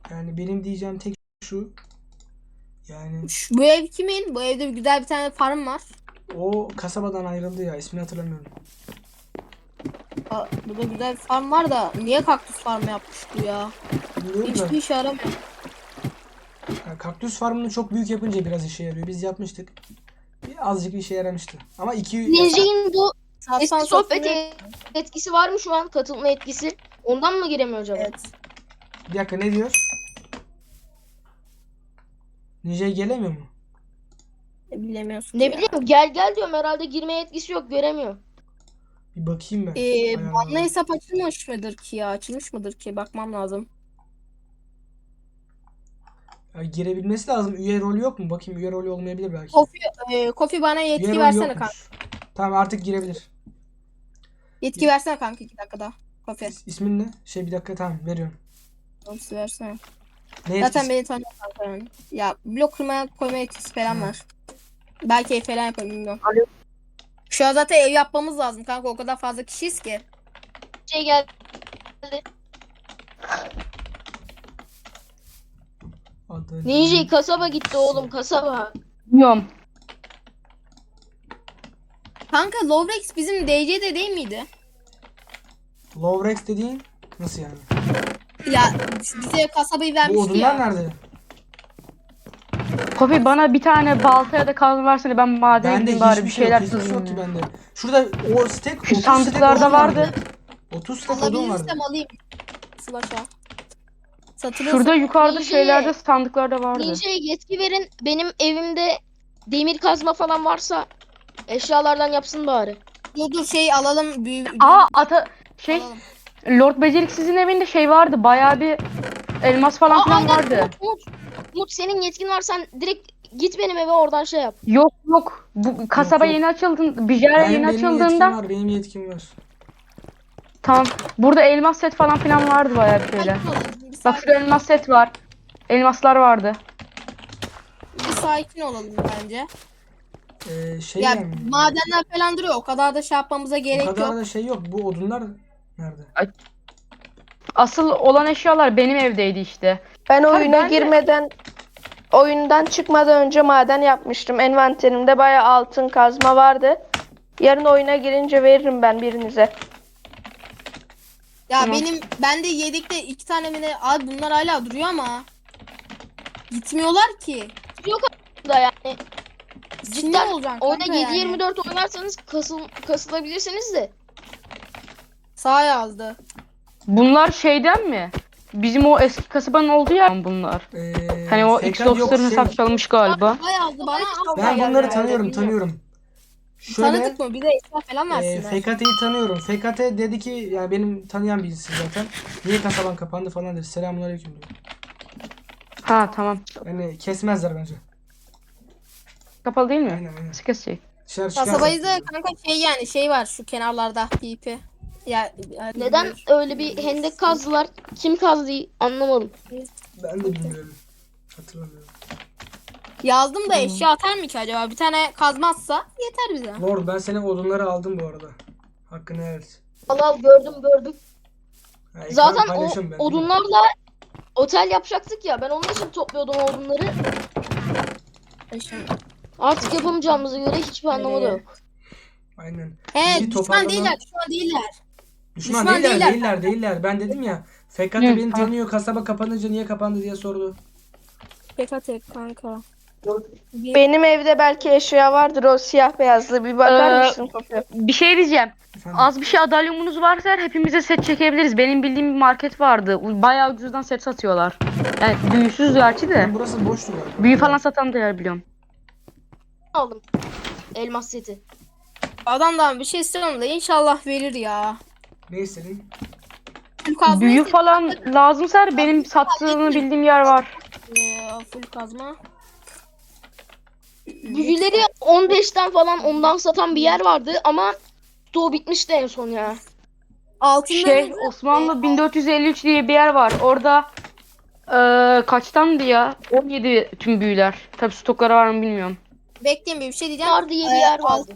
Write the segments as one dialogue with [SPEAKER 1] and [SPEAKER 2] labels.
[SPEAKER 1] Yani benim diyeceğim tek şu. Yani
[SPEAKER 2] Bu ev kimin? Bu evde güzel bir tane farm var.
[SPEAKER 1] o kasabadan ayrıldı ya. İsmini hatırlamıyorum.
[SPEAKER 2] Burada güzel bir farm var da niye kaktüs farmı yapmış bu ya?
[SPEAKER 1] Bilmiyorum da.
[SPEAKER 2] Hiçbir işe yaramıyor.
[SPEAKER 1] Yani kaktüs farmını çok büyük yapınca biraz işe yarıyor. Biz yapmıştık. Azıcık işe yaramıştı. Ama
[SPEAKER 3] Ninja'nın bu
[SPEAKER 2] Satsan
[SPEAKER 3] eski sohbet
[SPEAKER 2] satılmıyor.
[SPEAKER 3] etkisi var mı şu an? Katılma etkisi. Ondan mı giremiyor acaba?
[SPEAKER 2] Evet.
[SPEAKER 1] bir dakika ne diyor? Ninja'ya gelemiyor mu?
[SPEAKER 2] Bilemiyorsun
[SPEAKER 3] Ne
[SPEAKER 2] ya.
[SPEAKER 3] bileyim, gel gel diyorum, herhalde girmeye etkisi yok, göremiyor.
[SPEAKER 1] Bir bakayım ben.
[SPEAKER 2] Banlı
[SPEAKER 1] Ayarlara.
[SPEAKER 2] hesap açılmış mıdır ki ya? Açılmış mıdır ki? Bakmam lazım.
[SPEAKER 1] Ya girebilmesi lazım. Üye rolü yok mu? Bakayım, üye rolü olmayabilir belki.
[SPEAKER 2] Kofi bana
[SPEAKER 1] Üye
[SPEAKER 2] yetki
[SPEAKER 1] rolü
[SPEAKER 2] versene kanka.
[SPEAKER 1] yokmuş. Tamam, artık girebilir.
[SPEAKER 2] Yetki versene kanka 2 dakikada. Kofi.
[SPEAKER 1] İsmin ne? Bir dakika, tamam, veriyorum.
[SPEAKER 2] Yetki versene.
[SPEAKER 1] Ne
[SPEAKER 2] Zaten
[SPEAKER 1] yetkisi?
[SPEAKER 2] beni tanıyor kanka yani. Ya blok kırmaya koyma etkisi falan var. Belki ev falan yaparım bilmiyorum.
[SPEAKER 3] Alo.
[SPEAKER 2] Şu an zaten ev yapmamız lazım kanka. O kadar fazla kişiyiz ki.
[SPEAKER 3] Şey geldi. Ninja kasaba gitti oğlum, kasaba.
[SPEAKER 4] Bilmiyorum.
[SPEAKER 2] Kanka Lovrex bizim DC'de değil miydi?
[SPEAKER 1] Lovrex dediğin nasıl yani?
[SPEAKER 2] Ya bize kasabayı
[SPEAKER 1] Bu
[SPEAKER 2] vermişti
[SPEAKER 1] odunlar
[SPEAKER 2] ya.
[SPEAKER 1] nerede?
[SPEAKER 4] Kofi bana bir tane balta ya da kazma versene, ben madene
[SPEAKER 1] Bende
[SPEAKER 4] gideyim bari bir
[SPEAKER 1] hiçbir şey yok.
[SPEAKER 4] şeyler
[SPEAKER 1] Hiçbir şey
[SPEAKER 4] kazayım
[SPEAKER 1] yok ki
[SPEAKER 4] ya.
[SPEAKER 1] bende. Şurada o stek,
[SPEAKER 4] Şu
[SPEAKER 1] 30
[SPEAKER 4] sandıklarda
[SPEAKER 1] stek odun
[SPEAKER 4] vardı.
[SPEAKER 1] 30 stek odun vardı.
[SPEAKER 2] Alabilirsem alayım. Slasha.
[SPEAKER 4] Şurada yukarıda
[SPEAKER 3] Ninja'ya-
[SPEAKER 4] şeylerde, sandıklarda vardı.
[SPEAKER 3] Ninja'ya yetki verin, benim evimde demir kazma falan varsa eşyalardan yapsın bari.
[SPEAKER 2] Dur şey alalım.
[SPEAKER 4] Aa
[SPEAKER 2] Alalım.
[SPEAKER 4] Lord Beceriksiz'in evinde şey vardı, bayağı bir elmas falan filan
[SPEAKER 3] Aynen,
[SPEAKER 4] vardı.
[SPEAKER 3] Umut, senin yetkin var, sen direkt git benim eve, oradan şey yap.
[SPEAKER 4] Yok, bu kasaba
[SPEAKER 1] yok.
[SPEAKER 4] yeni açıldı, Bijara yeni
[SPEAKER 1] Benim yetkim
[SPEAKER 4] açıldığında
[SPEAKER 1] var. Benim yetkim var.
[SPEAKER 4] tamam, burada elmas set falan filan vardı bayağı bir şeyler.
[SPEAKER 2] Sakin olalım. Bir
[SPEAKER 4] Bak
[SPEAKER 2] sakin,
[SPEAKER 4] şurada elmas set var. Elmaslar vardı.
[SPEAKER 2] bir sakin olalım bence.
[SPEAKER 1] Şey
[SPEAKER 2] Ya
[SPEAKER 1] yani.
[SPEAKER 2] madenler falan duruyor. O kadar da şey yapmamıza
[SPEAKER 1] O
[SPEAKER 2] gerek
[SPEAKER 1] kadar
[SPEAKER 2] yok.
[SPEAKER 1] da şey yok. Bu odunlar nerede?
[SPEAKER 4] Asıl olan eşyalar benim evdeydi işte.
[SPEAKER 5] Ben
[SPEAKER 4] Tabii
[SPEAKER 5] oyuna
[SPEAKER 4] ben de-
[SPEAKER 5] girmeden, oyundan çıkmadan önce maden yapmıştım. Envanterimde bayağı altın kazma vardı. Yarın oyuna girince veririm ben birinize.
[SPEAKER 2] Ya
[SPEAKER 4] Tamam.
[SPEAKER 2] bende yedekte 2 tane mi ne? Abi bunlar hala duruyor ama. Gitmiyorlar ki.
[SPEAKER 3] Da yani
[SPEAKER 2] Sinir
[SPEAKER 3] cidden
[SPEAKER 2] olacaksın
[SPEAKER 3] oyuna
[SPEAKER 2] kanka yani.
[SPEAKER 3] 7/24 oynarsanız kasılabilirsiniz de.
[SPEAKER 2] Sağ yazdı.
[SPEAKER 4] Bunlar şeyden mi? Bizim o eski kasabanın olduğu yer mi bunlar? Hani o
[SPEAKER 1] Fakat
[SPEAKER 4] X-Box'ların
[SPEAKER 1] yok,
[SPEAKER 4] hesap çalmış galiba.
[SPEAKER 2] Sağ yazdı bana.
[SPEAKER 1] Ben
[SPEAKER 2] geldi
[SPEAKER 1] bunları
[SPEAKER 2] yani,
[SPEAKER 1] tanıyorum,
[SPEAKER 2] bilmiyorum.
[SPEAKER 1] tanıyorum. Şöyle
[SPEAKER 2] Tanıdık mı? Bir de eşya falan versinler.
[SPEAKER 1] FKT'yi tanıyorum. FKT dedi ki, yani benim tanıyan birisi zaten. Niye kasaban kapandı falan dedi. Selamünaleyküm diyor.
[SPEAKER 4] Ha tamam.
[SPEAKER 1] Yani kesmezler bence.
[SPEAKER 4] Kapalı değil mi?
[SPEAKER 1] Aynen.
[SPEAKER 4] Nasıl kesecek?
[SPEAKER 1] Dışarı çıkarsa.
[SPEAKER 2] Kasabayı da kanka şey yani şey var şu kenarlarda PP. Ya
[SPEAKER 3] Neden öyle bir hendek kazdılar? Kim kazdı anlamadım.
[SPEAKER 1] Ben de bilmiyorum. Hatırlamıyorum.
[SPEAKER 2] yazdım da eşya atar mı ki acaba? Bir tane kazmazsa yeter bize.
[SPEAKER 1] Lord, ben senin odunları aldım bu arada. Hakkını helal et.
[SPEAKER 3] Allah, gördüm.
[SPEAKER 1] Ha, ekran
[SPEAKER 3] Zaten o
[SPEAKER 1] paylaşıyorum ben, değil mi?
[SPEAKER 3] odunlarla otel yapacaktık ya, ben onun için topluyordum o odunları.
[SPEAKER 2] Şimdi.
[SPEAKER 3] Artık yapamayacağımıza göre hiçbir anlamı da yok.
[SPEAKER 1] Aynen.
[SPEAKER 2] He
[SPEAKER 1] Bizi
[SPEAKER 2] düşman
[SPEAKER 1] toparlama-
[SPEAKER 2] değiller, düşman değiller.
[SPEAKER 1] Düşman
[SPEAKER 2] Düşman
[SPEAKER 1] değiller. Ben dedim ya. FKT
[SPEAKER 4] Hı,
[SPEAKER 1] beni
[SPEAKER 4] tamam.
[SPEAKER 1] tanıyor. Kasaba kapanınca niye kapandı diye sordu.
[SPEAKER 2] PKT kanka.
[SPEAKER 5] Benim evde belki eşya vardır, o siyah beyazlı. Bir bakar
[SPEAKER 4] Ee,
[SPEAKER 5] mısın Kofi?
[SPEAKER 4] Bir şey diyeceğim.
[SPEAKER 1] Efendim?
[SPEAKER 4] Az bir şey adalyumunuz varsa eğer hepimize set çekebiliriz. Benim bildiğim bir market vardı. Bayağı ucuzdan set satıyorlar. Yani büyüsüz gerçi de.
[SPEAKER 1] Benim burası boştu galiba.
[SPEAKER 4] Büyü falan satan da yer biliyorum.
[SPEAKER 3] Aldım elmas seti.
[SPEAKER 2] Adamdan bir şey istiyorum da inşallah verir ya.
[SPEAKER 1] Ne istedin?
[SPEAKER 2] Full kazma
[SPEAKER 4] Büyü
[SPEAKER 2] istedim.
[SPEAKER 4] falan lazımsa eğer benim sattığını bildiğim yer var.
[SPEAKER 2] Full kazma.
[SPEAKER 3] Büyüleri 15'ten falan ondan satan bir yer vardı ama stoğu bitmişti en son ya.
[SPEAKER 2] Altınlarınızı
[SPEAKER 4] Osmanlı 1453 diye bir yer var. Orada kaçtandı ya? 17 tüm büyüler. Tabi stokları var mı bilmiyorum.
[SPEAKER 2] bekleyin bir şey diyeceğim.
[SPEAKER 3] Var diye bir yer vardı.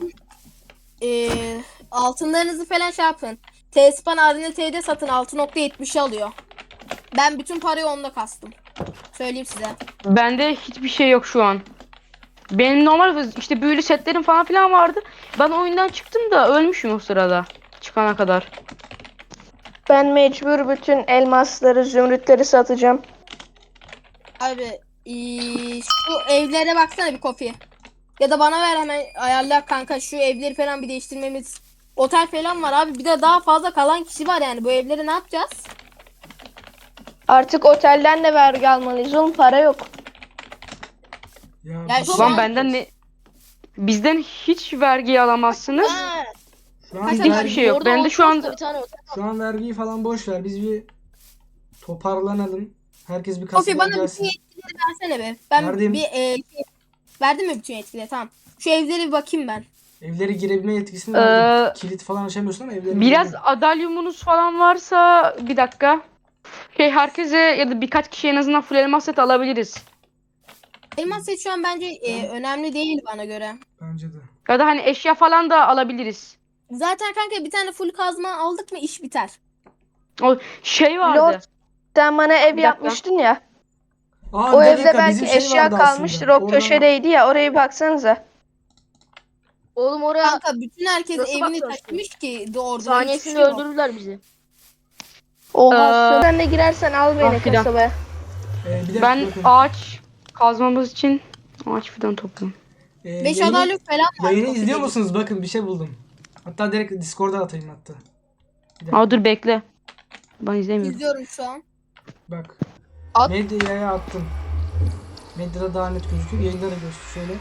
[SPEAKER 2] Altınlarınızı falan şey yapın. T-Span Arena T'de satın 6.70'i alıyor. Ben bütün parayı onda kastım. Söyleyeyim size.
[SPEAKER 4] Bende hiçbir şey yok şu an. Benim normal işte büyülü setlerim falan filan vardı. Ben oyundan çıktım da ölmüşüm o sırada. Çıkana kadar.
[SPEAKER 5] Ben mecbur bütün elmasları, zümrütleri satacağım.
[SPEAKER 2] Abi şu evlere baksana bir Kofi. Ya da bana ver hemen ayarla kanka, şu evleri falan bir değiştirmemiz. Otel falan var abi, bir de daha fazla kalan kişi var yani, bu evleri ne yapacağız?
[SPEAKER 5] Artık otelden de vergi almalıyız oğlum, para yok.
[SPEAKER 1] Ya,
[SPEAKER 2] Ya
[SPEAKER 1] bir
[SPEAKER 2] şu
[SPEAKER 1] şey-
[SPEAKER 4] Ulan benden ne... Bizden hiç vergi alamazsınız.
[SPEAKER 3] Ha,
[SPEAKER 1] şu an,
[SPEAKER 2] Bizde
[SPEAKER 4] Hiçbir
[SPEAKER 1] vergi-
[SPEAKER 4] şey yok.
[SPEAKER 3] orada
[SPEAKER 4] Bende şu
[SPEAKER 3] Outpost'ta
[SPEAKER 4] an
[SPEAKER 3] bir tane otel.
[SPEAKER 1] şu an vergiyi falan boş ver. Biz bir toparlanalım. Herkes bir
[SPEAKER 2] Kofi
[SPEAKER 1] kasaya
[SPEAKER 2] bana bütün
[SPEAKER 1] gelsin.
[SPEAKER 2] yetkileri versene be. Ben
[SPEAKER 1] Verdim.
[SPEAKER 2] verdim mi bütün yetkileri? Tamam. Şu evlere bir bakayım ben.
[SPEAKER 1] Evlere girebilme yetkisini verdim. Kilit falan açamıyorsun ama evlere
[SPEAKER 4] biraz
[SPEAKER 1] girebilme.
[SPEAKER 4] adalyumunuz falan varsa bir dakika. Herkese ya da birkaç kişiye en azından full elmas set alabiliriz.
[SPEAKER 2] Elmas set şu an bence önemli değil bana göre.
[SPEAKER 1] Bence de.
[SPEAKER 4] Ya da hani eşya falan da alabiliriz.
[SPEAKER 2] Zaten kanka bir tane full kazma aldık mı iş biter.
[SPEAKER 4] O şey vardı.
[SPEAKER 5] Lord, sen bana ev
[SPEAKER 4] dakika.
[SPEAKER 5] yapmıştın ya.
[SPEAKER 1] Aa,
[SPEAKER 5] O
[SPEAKER 1] bir
[SPEAKER 5] evde
[SPEAKER 1] dakika,
[SPEAKER 5] belki
[SPEAKER 1] bizim şey
[SPEAKER 5] eşya
[SPEAKER 1] vardı
[SPEAKER 5] kalmıştır.
[SPEAKER 1] aslında.
[SPEAKER 5] O köşedeydi ya, oraya bir baksanıza.
[SPEAKER 3] Oğlum oraya
[SPEAKER 2] Kanka bütün herkes
[SPEAKER 3] Nasıl
[SPEAKER 2] evini
[SPEAKER 3] bakıyorsun?
[SPEAKER 2] taşımış ki doğru.
[SPEAKER 3] saniyesinde öldürürler bizi.
[SPEAKER 5] Oha,
[SPEAKER 4] Ee,
[SPEAKER 5] sen de girersen al beni
[SPEAKER 4] fidan.
[SPEAKER 5] kasabaya.
[SPEAKER 1] Bir dakika
[SPEAKER 4] Ben
[SPEAKER 1] bakın.
[SPEAKER 4] ağaç kazmamız için ağaç fidan topluyorum.
[SPEAKER 2] 5
[SPEAKER 1] Yayını-
[SPEAKER 2] adalyok falan var.
[SPEAKER 1] Yayını
[SPEAKER 2] Kofi
[SPEAKER 1] izliyor
[SPEAKER 2] dedi.
[SPEAKER 1] musunuz? Bakın bir şey buldum. Hatta direkt Discord'a atayım hatta.
[SPEAKER 4] Aa dur bekle. Ben izlemiyorum.
[SPEAKER 2] İzliyorum şu an.
[SPEAKER 1] Bak.
[SPEAKER 3] At.
[SPEAKER 1] Medyaya attım. Medyada daha net gözüküyor. Yayında da gözüküyor şöyle.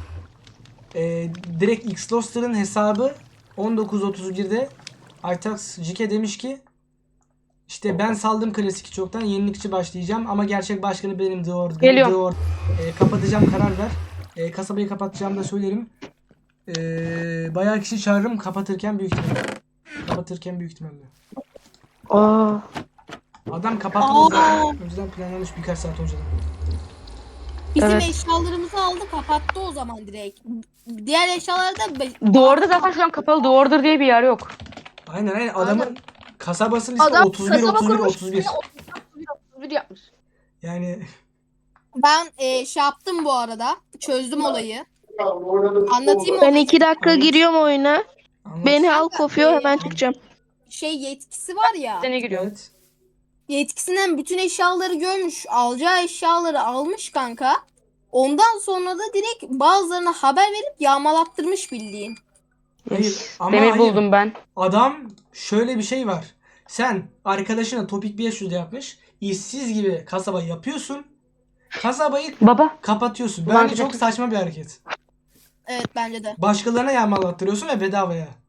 [SPEAKER 1] Direkt Xloster'ın hesabı 19.31'de Aytax Jike demiş ki işte ben saldım klasik çoktan, yenilikçi başlayacağım ama gerçek başkanı benim Dior.
[SPEAKER 4] Geliyorum.
[SPEAKER 1] Dior. Kapatacağım, karar ver. Kasabayı kapatacağım da söylerim. Bayağı kişi çağırırım kapatırken büyük ihtimalle.
[SPEAKER 4] Aa.
[SPEAKER 1] Adam kapatmadı
[SPEAKER 2] Aa.
[SPEAKER 1] zaten. Önceden planlanmış birkaç saat önceden.
[SPEAKER 2] Bizim
[SPEAKER 4] Evet.
[SPEAKER 2] eşyalarımızı aldı, kapattı o zaman direkt. Diğer eşyaları da
[SPEAKER 4] Doğru'da zaten şu an kapalı. Doğru'dur diye bir yer yok.
[SPEAKER 1] Aynen adamın kasabasının ismi
[SPEAKER 3] Adam
[SPEAKER 1] 31
[SPEAKER 3] kasaba
[SPEAKER 1] 31
[SPEAKER 3] kurmuş,
[SPEAKER 1] 31.
[SPEAKER 3] 31 yapmış.
[SPEAKER 1] Yani
[SPEAKER 2] ben şey yaptım bu arada. Çözdüm olayı. Anlatayım mı
[SPEAKER 5] Ben
[SPEAKER 2] olayı?
[SPEAKER 5] 2 dakika
[SPEAKER 1] Anlat.
[SPEAKER 5] giriyorum oyuna.
[SPEAKER 1] anlat.
[SPEAKER 5] Beni al
[SPEAKER 2] Kanka,
[SPEAKER 5] kopuyor, hemen çıkacağım.
[SPEAKER 2] Şey yetkisi var ya.
[SPEAKER 4] Sene giriyorum.
[SPEAKER 1] Evet.
[SPEAKER 2] Yetkisinden bütün eşyaları görmüş. Alacağı eşyaları almış kanka. Ondan sonra da direkt bazılarına haber verip yağmalattırmış bildiğin.
[SPEAKER 1] Hayır,
[SPEAKER 4] Yes.
[SPEAKER 1] ama
[SPEAKER 4] Demir
[SPEAKER 1] hayır.
[SPEAKER 4] buldum ben.
[SPEAKER 1] Adam şöyle bir şey var. Sen arkadaşına Topik 500'de yapmış. İşsiz gibi kasaba yapıyorsun. Kasabayı
[SPEAKER 4] Baba.
[SPEAKER 1] kapatıyorsun.
[SPEAKER 4] Ulan
[SPEAKER 1] Bence çok saçma bir hareket.
[SPEAKER 2] Evet bence de.
[SPEAKER 1] Başkalarına yağmalattırıyorsun ve bedavaya.